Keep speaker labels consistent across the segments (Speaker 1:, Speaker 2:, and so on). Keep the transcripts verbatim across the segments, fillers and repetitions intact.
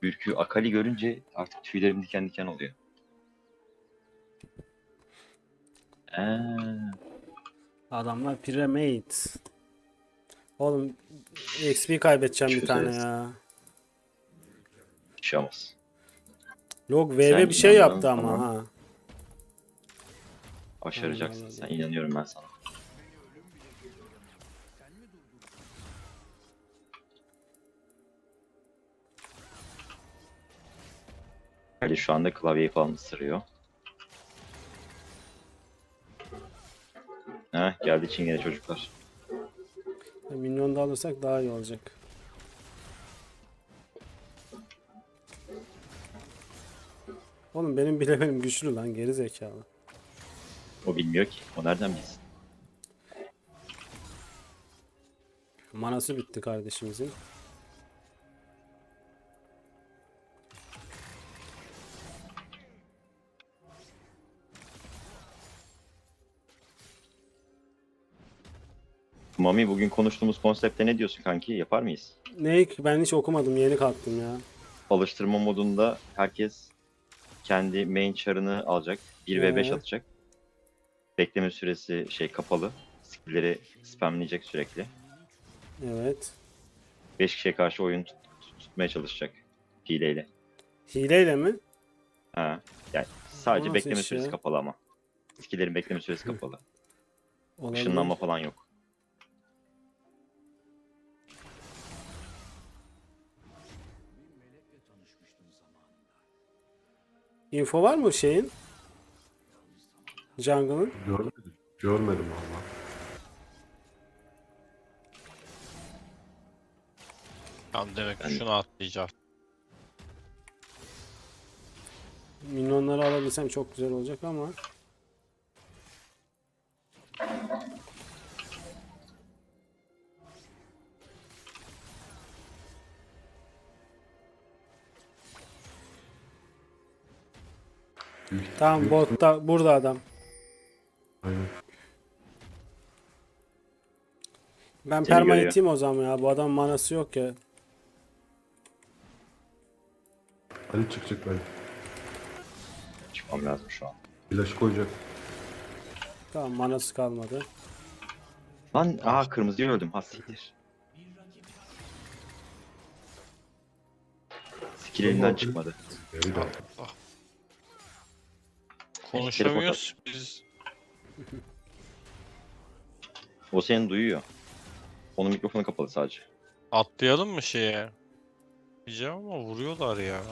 Speaker 1: Ürkü Akali görünce artık tüylerim diken diken oluyor. Eee,
Speaker 2: Adamlar Pyramid. Oğlum X P kaybedeceğim bir tane
Speaker 1: çözeriz.
Speaker 2: ya.
Speaker 1: Bir şey olmaz.
Speaker 2: Log
Speaker 1: Sen
Speaker 2: V V bir şey
Speaker 1: inandığın
Speaker 2: yaptı ama
Speaker 1: zaman
Speaker 2: ha. Allah
Speaker 1: başaracaksın. Sen
Speaker 2: Allah.
Speaker 1: inanıyorum ben sana. Ali şu anda klavyeyi falan ısırıyor. Heh, geldi Çingene çocuklar.
Speaker 2: Minyon da alırsak daha iyi olacak. Oğlum benim bile benim güçlü lan, geri zekalı.
Speaker 1: O bilmiyor ki. O nereden bilsin?
Speaker 2: Manası bitti kardeşimizin.
Speaker 1: Mami, bugün konuştuğumuz konsepte ne diyorsun kanki? Yapar mıyız?
Speaker 2: Ne, ben hiç okumadım, yeni kalktım ya.
Speaker 1: Alıştırma modunda herkes kendi main char'ını alacak. bir ve beş
Speaker 2: Ee,
Speaker 1: atacak. Bekleme süresi şey kapalı. Skill'leri spamleyecek sürekli.
Speaker 2: evet.
Speaker 1: beş kişiye karşı oyun tut- tut- tutmaya çalışacak hileyle.
Speaker 2: Hileyle mi?
Speaker 1: Ha. Yani
Speaker 2: O
Speaker 1: sadece
Speaker 2: nasıl
Speaker 1: bekleme
Speaker 2: iş
Speaker 1: süresi
Speaker 2: ya?
Speaker 1: kapalı ama. Skill'lerin bekleme süresi kapalı.
Speaker 2: Olabilir.
Speaker 1: Işınlanma falan yok.
Speaker 2: Info var mı şeyin? Jungle'ın?
Speaker 3: Görmedim. Görmedim valla.
Speaker 4: Tamam, demek ki
Speaker 1: Ben-
Speaker 4: şunu atlayacağım.
Speaker 2: Minyonları alabilsem çok güzel olacak ama.
Speaker 3: Büyük,
Speaker 2: Tamam,
Speaker 3: büyük-
Speaker 2: botta burada adam.
Speaker 3: Aynen.
Speaker 2: Ben
Speaker 1: Seni
Speaker 2: perma
Speaker 1: görüyor.
Speaker 2: iteyim o zaman ya. Bu adam manası yok ya.
Speaker 3: Ali çıkacak ben.
Speaker 1: Çıkmam lazım şu an.
Speaker 3: Flash koyacak.
Speaker 2: Tamam, manası kalmadı.
Speaker 1: Lan aa, kırmızıyı öldüm. Ha siktir. Skill elinden çıkmadı.
Speaker 3: Geri dön.
Speaker 4: Konuşamıyoruz biz.
Speaker 1: O seni duyuyor. Onun mikrofonu kapalı sadece.
Speaker 4: Atlayalım mı şeye? Diyeceğim ama vuruyorlar ya.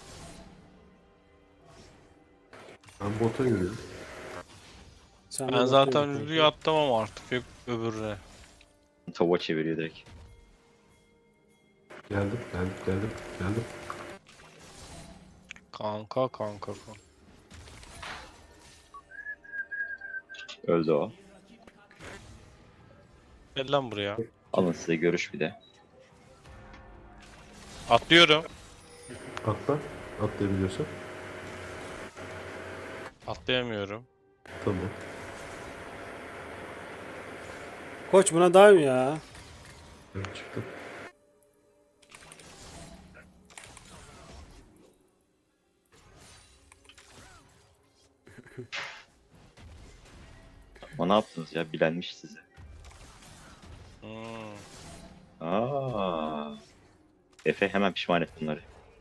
Speaker 3: Ben bota yürüyorum.
Speaker 2: Sen de
Speaker 4: Ben
Speaker 2: botta
Speaker 4: zaten
Speaker 2: yürü
Speaker 4: Lulu'yu
Speaker 2: kanka.
Speaker 4: atlamam artık, hep öbürüne.
Speaker 1: Tavuğa çeviriyor direkt.
Speaker 3: Geldim, geldim, geldim, geldim.
Speaker 4: Kanka kanka kanka.
Speaker 1: Öldü o.
Speaker 4: Gel lan buraya.
Speaker 1: Alın size görüş bir de.
Speaker 4: Atlıyorum.
Speaker 3: Atla. Atlayabiliyorsan.
Speaker 4: Atlayamıyorum.
Speaker 3: Tamam.
Speaker 2: Koç buna daim ya.
Speaker 3: Ben çıktım.
Speaker 1: Ama ne yaptınız ya? Bilenmiş size.
Speaker 4: Hmm.
Speaker 1: Aa. Efe hemen pişman et bunları.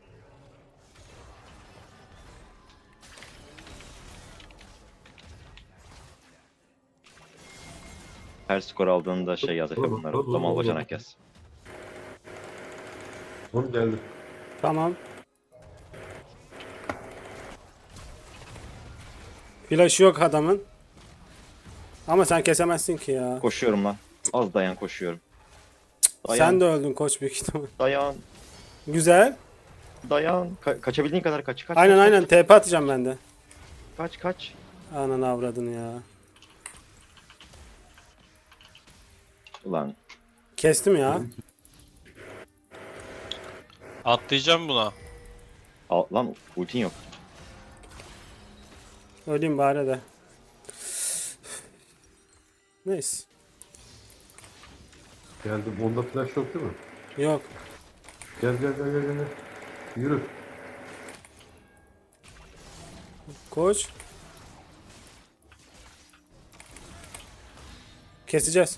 Speaker 1: Her skor aldığında şey yaz Efe bunlara. Damal bacanak yaz.
Speaker 3: Oğlum geldim.
Speaker 2: Tamam. Flash yok adamın. Ama sen kesemezsin ki ya.
Speaker 1: Koşuyorum lan. Az dayan, koşuyorum. Dayan,
Speaker 2: Sen de öldün koç büyük ihtimal.
Speaker 1: dayan,
Speaker 2: Güzel.
Speaker 1: dayan. Ka- kaçabildiğin kadar kaç. Kaç,
Speaker 2: Aynen
Speaker 1: kaç,
Speaker 2: aynen, T P atacağım ben de.
Speaker 1: Kaç, kaç.
Speaker 2: Ananı avradını ya.
Speaker 1: Ulan.
Speaker 2: Kestim ya.
Speaker 4: Atlayacağım buna.
Speaker 1: Al, lan ultin yok.
Speaker 2: Öleyim bari de. Neyse.
Speaker 3: Geldim. Onda flash yok değil mi?
Speaker 2: Yok.
Speaker 3: Gel gel gel gel gel. Yürü.
Speaker 2: Koş. Keseceğiz.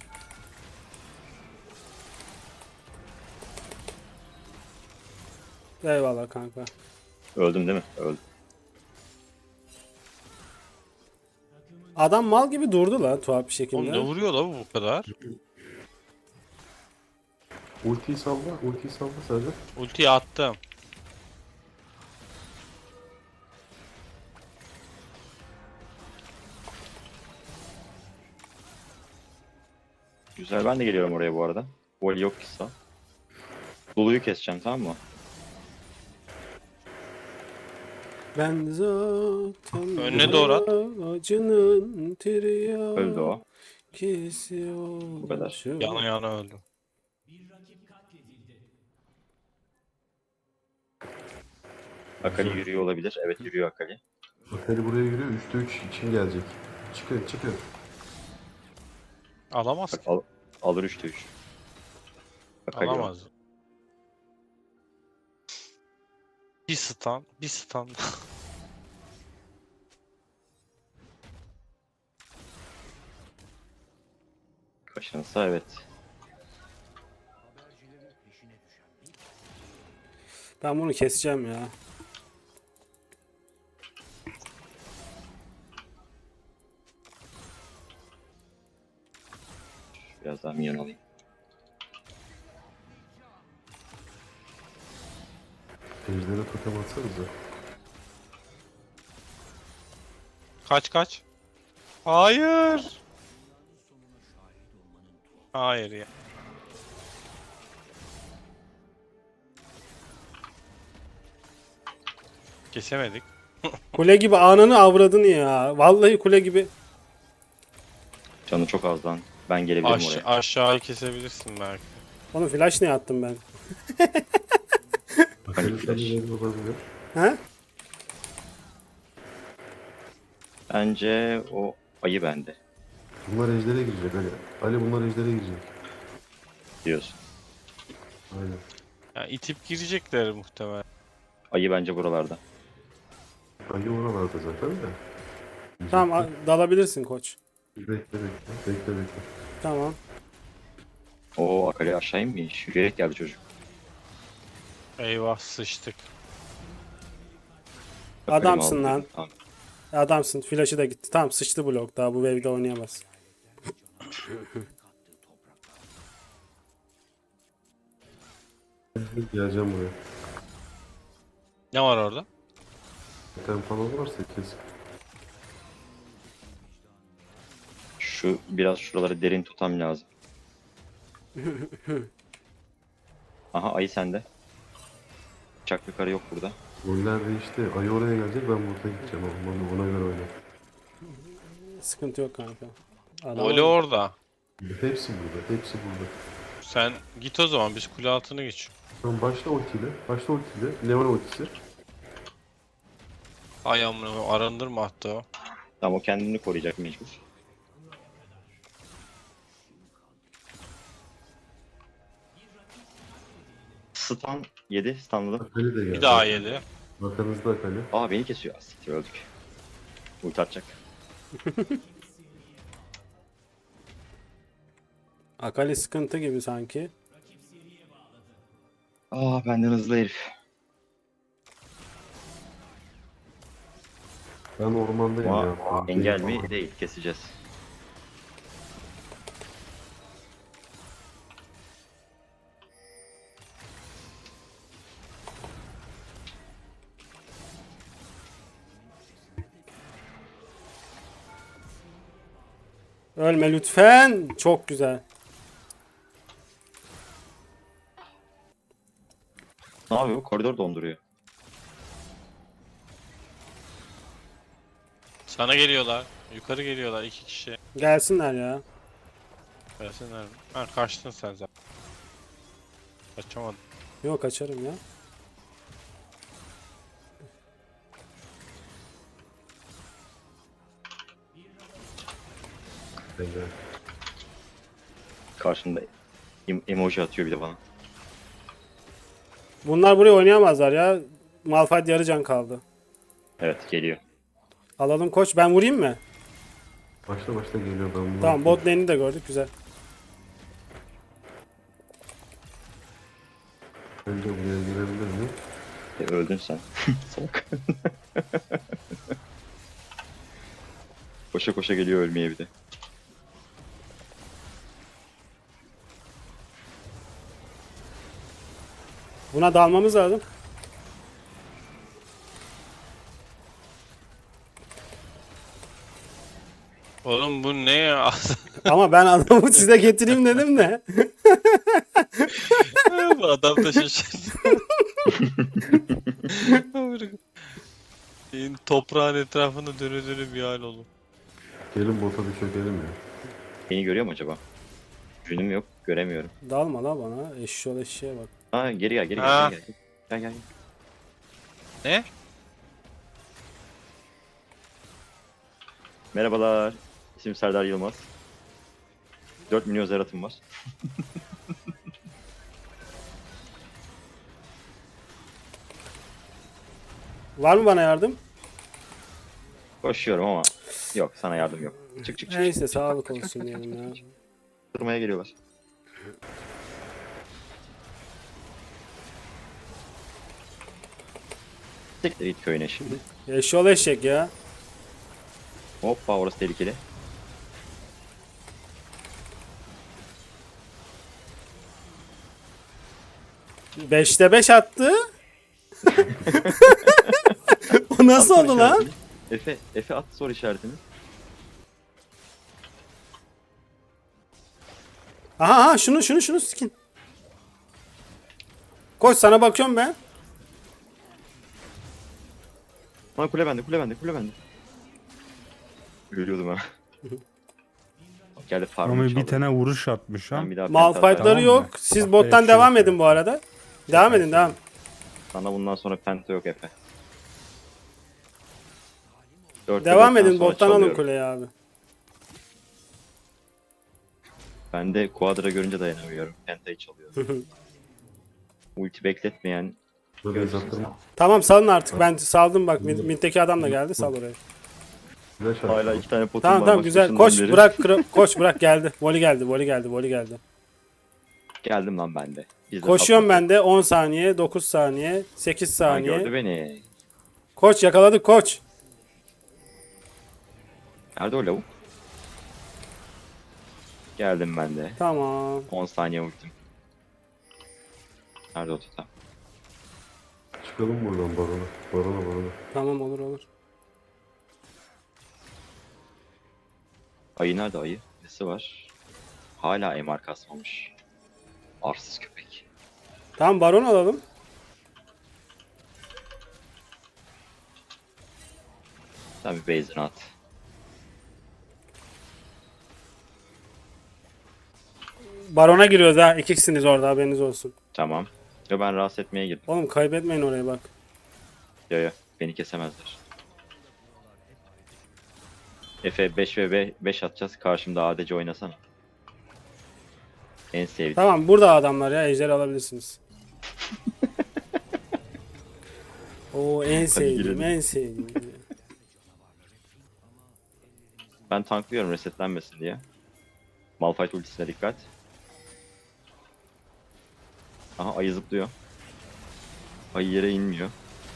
Speaker 2: Eyvallah kanka.
Speaker 1: Öldüm değil mi? Öldüm.
Speaker 2: Adam mal gibi durdu lan tuhaf bir
Speaker 4: Oğlum
Speaker 2: şekilde.
Speaker 4: ne vuruyor la bu bu kadar?
Speaker 3: Ultiyi salla. Ultiyi salla sadece.
Speaker 4: Ultiyi attım.
Speaker 1: Güzel, ben de geliyorum oraya bu arada. Vol yok ki sağ. Lulu'yu keseceğim, tamam mı?
Speaker 2: Ben zaten
Speaker 4: Önüne doğru at.
Speaker 2: acının tirya
Speaker 1: Öldü o.
Speaker 2: kesiyor.
Speaker 1: Bu kadar.
Speaker 4: Yana yana öldü.
Speaker 1: Akali yürüyor olabilir. Evet, yürüyor Akali.
Speaker 3: Akali buraya yürüyor. üçte üç için gelecek. Çıkın çıkın.
Speaker 4: Alamaz
Speaker 1: Bak
Speaker 4: ki.
Speaker 1: al, alır üçte üç. Akali o.
Speaker 4: Alamaz. Bir stun, bir stun.
Speaker 1: Kaşınsa evet.
Speaker 2: Ben bunu keseceğim ya.
Speaker 1: Biraz daha minyon alayım.
Speaker 3: Ejder'e totem atsanıza.
Speaker 4: Kaç kaç. Hayır. Hayır ya. Kesemedik.
Speaker 2: Kule gibi ananı avradını ya. Vallahi kule gibi.
Speaker 1: Canı çok az lan. Ben gelebilirim
Speaker 4: Aş
Speaker 1: oraya.
Speaker 4: aşağı kesebilirsin belki.
Speaker 2: Onun flash ne attım ben?
Speaker 3: Akali
Speaker 1: flash.
Speaker 3: seni olabilir.
Speaker 2: He?
Speaker 1: Bence o ayı bende
Speaker 3: Bunlar Ejder'e girecek Ali. Ali bunlar Ejder'e girecek.
Speaker 1: diyorsun.
Speaker 3: Aynen.
Speaker 4: Yani itip girecekler muhtemelen.
Speaker 1: Ayı bence buralarda.
Speaker 3: Ali oralarda zaten de.
Speaker 2: Tamam a- dalabilirsin koç.
Speaker 3: Bekle bekle. Bekle bekle.
Speaker 2: Tamam.
Speaker 1: Oo, Akali aşağı inmiş. Yürüyerek geldi çocuk.
Speaker 4: Eyvah sıçtık.
Speaker 1: Akali mi
Speaker 2: Adamsın
Speaker 1: aldı?
Speaker 2: lan.
Speaker 1: Tamam.
Speaker 2: Adamsın. Flash'ı da gitti. Tamam sıçtı blok. Daha bu wave'de oynayamaz.
Speaker 3: Geleceğim buraya.
Speaker 4: Ne var orada?
Speaker 3: Totem falan varsa kes.
Speaker 1: Şu biraz şuraları derin tutam lazım. Aha, ayı sende. Çak yukarı yok burada.
Speaker 3: Roller değişti. Ayı oraya gelecek, ben burada gideceğim. Ona, ona göre oyna.
Speaker 2: Sıkıntı yok kanka. Adam
Speaker 4: Oli orada.
Speaker 3: Hepsi burada. Hepsi burada.
Speaker 4: Sen git o zaman biz kule altını geç.
Speaker 3: Tamam, başla ultiyle. Başla ultiyle. Leon ultisi.
Speaker 4: Ay amına arındırma hatta o.
Speaker 1: Tamam, o kendini koruyacak mecbur. Stun yedi. Stunladım.
Speaker 3: Akali de geldi.
Speaker 4: Bir daha yedi.
Speaker 3: Arkanızda Akali.
Speaker 1: Aa, beni kesiyor. Siktir, öldük. Ulti atacak.
Speaker 2: Akali sıkıntı gibi sanki.
Speaker 1: Aa, benden hızlı herif.
Speaker 3: Ben ormandayım
Speaker 1: Ama
Speaker 3: ya.
Speaker 1: engel mi? Değil. Keseceğiz.
Speaker 2: Ölme lütfen. Çok güzel.
Speaker 1: Ne yapıyor? Koridor donduruyor.
Speaker 4: Sana geliyorlar. Yukarı geliyorlar iki kişi.
Speaker 2: Gelsinler ya.
Speaker 4: Gelsinler mi? Ha kaçtın sen zaten. Kaçamadın.
Speaker 2: Yok kaçarım ya.
Speaker 3: Engel.
Speaker 1: Karşında em- emoji atıyor bir de bana.
Speaker 2: Bunlar buraya oynayamazlar ya. Malphite yarı can kaldı.
Speaker 1: Evet geliyor.
Speaker 2: Alalım koç. Ben vurayım mı?
Speaker 3: Başla başla geliyor ben bunu.
Speaker 2: Tamam, bot lane'i de gördük, güzel.
Speaker 3: Önce buraya girebilir mi?
Speaker 1: E, öldün sen. Salak. Koşa koşa geliyor ölmeye bir de.
Speaker 2: Buna dalmamız lazım.
Speaker 4: Oğlum bu ne ya?
Speaker 2: Ama ben adamı size getireyim dedim de.
Speaker 4: Bu adam da şaşırdı. Şeyin toprağın etrafında dönü dönü bir hal oldu.
Speaker 3: Gelin bota bir çökelim ya.
Speaker 1: Beni görüyor mu acaba? Günüm yok göremiyorum.
Speaker 2: Dalma la bana. Eşşoğlu eşeğe bak.
Speaker 1: Aa geri gel geri
Speaker 4: Ha.
Speaker 1: gel. Gel gel. Gel gel.
Speaker 4: Ne?
Speaker 1: Merhabalar. İsmim Serdar Yılmaz. dört milyon zeratım var.
Speaker 2: Var mı bana yardım?
Speaker 1: Koşuyorum ama yok sana yardım yok. Çık çık çık.
Speaker 2: Neyse
Speaker 1: çık.
Speaker 2: sağlık olsun diyelim ya.
Speaker 1: Durmaya geliyorlar. Siktir git köyüne şimdi.
Speaker 2: Eşşoğlu eşek ya.
Speaker 1: Hoppa orası tehlikeli.
Speaker 2: Beşte beş attı. O nasıl
Speaker 1: At soru
Speaker 2: oldu lan?
Speaker 1: işaretini. Efe, Efe at soru işaretini.
Speaker 2: Aha aha şunu şunu şunu skin. Koş sana bakıyorum ben.
Speaker 1: Lan kule bende, kule bende, kule bende. Ölüyordum ha. Bak geldi
Speaker 5: Ama
Speaker 1: farmı
Speaker 5: bir
Speaker 1: çaldı.
Speaker 5: tane vuruş atmış ha.
Speaker 1: Ben bir daha penta
Speaker 2: Malphite'ları
Speaker 1: atarım.
Speaker 5: Tamam
Speaker 2: yok.
Speaker 5: mı?
Speaker 2: Siz
Speaker 5: Bak,
Speaker 2: bottan
Speaker 5: böyle
Speaker 2: devam
Speaker 5: şey
Speaker 2: edin bu arada. Devam edin devam.
Speaker 1: Sana bundan sonra penta yok Efe. Dörtte
Speaker 2: Devam
Speaker 1: dörtten
Speaker 2: edin
Speaker 1: sonra
Speaker 2: bottan alın
Speaker 1: çalıyorum.
Speaker 2: kuleyi abi.
Speaker 1: Ben de Quadra görünce dayanamıyorum. Penta'yı çalıyorum. Ulti bekletmeyen
Speaker 3: Böyle
Speaker 1: görsün
Speaker 3: zaten
Speaker 2: Tamam salın artık, ben saldım bak, mid- middeki adam da geldi, sal oraya.
Speaker 3: flash
Speaker 1: sen. Hala
Speaker 3: attı.
Speaker 1: iki tane potum
Speaker 2: Tamam
Speaker 1: var.
Speaker 2: tamam
Speaker 1: maç
Speaker 2: güzel,
Speaker 1: başından
Speaker 2: koş
Speaker 1: beri.
Speaker 2: bırak kra- koş bırak geldi. Voli geldi voli geldi voli geldi.
Speaker 1: Geldim lan ben de. Biz de
Speaker 2: Koşuyorum
Speaker 1: sapma-
Speaker 2: ben de on saniye, dokuz saniye, sekiz
Speaker 1: Ha, gördü
Speaker 2: saniye.
Speaker 1: beni.
Speaker 2: Koç yakaladık koç.
Speaker 1: Nerede o lavuk? Geldim ben de.
Speaker 2: Tamam.
Speaker 1: on saniye ultim. Nerede o tutam?
Speaker 3: Çıkalım buradan barona. Barona barona.
Speaker 2: Tamam olur olur.
Speaker 1: Ayı nerede ayı? Nesi var? Hala M R kasmamış. Arsız köpek.
Speaker 2: Tamam baron alalım.
Speaker 1: Sen bir base'ini at.
Speaker 2: Barona giriyoruz ha. İkisiniz orada, haberiniz olsun.
Speaker 1: Tamam. Yo ben rahatsız etmeye girdim.
Speaker 2: Oğlum kaybetmeyin orayı bak.
Speaker 1: Yo yo beni kesemezler. Efe beş ve beş atacağız. Karşımda A D C oynasana. En sevdiğim.
Speaker 2: Tamam burada adamlar ya, ejder alabilirsiniz. Oo en sevdiğim
Speaker 1: girelim.
Speaker 2: en sevdiğim.
Speaker 1: Ben tanklıyorum resetlenmesin diye. Malphite ultisine dikkat. Aha ayı zıplıyor. Ayı yere inmiyor.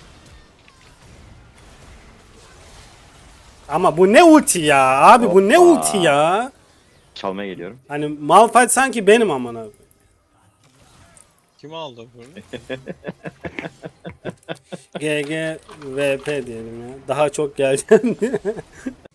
Speaker 2: Ama bu ne ulti ya abi, bu ne
Speaker 1: Hoppa.
Speaker 2: ulti ya.
Speaker 1: Çalmaya geliyorum.
Speaker 2: Hani Malphite sanki benim amına.
Speaker 4: Kim aldı bunu?
Speaker 2: G G V P diyelim ya. Daha çok geleceğim diye.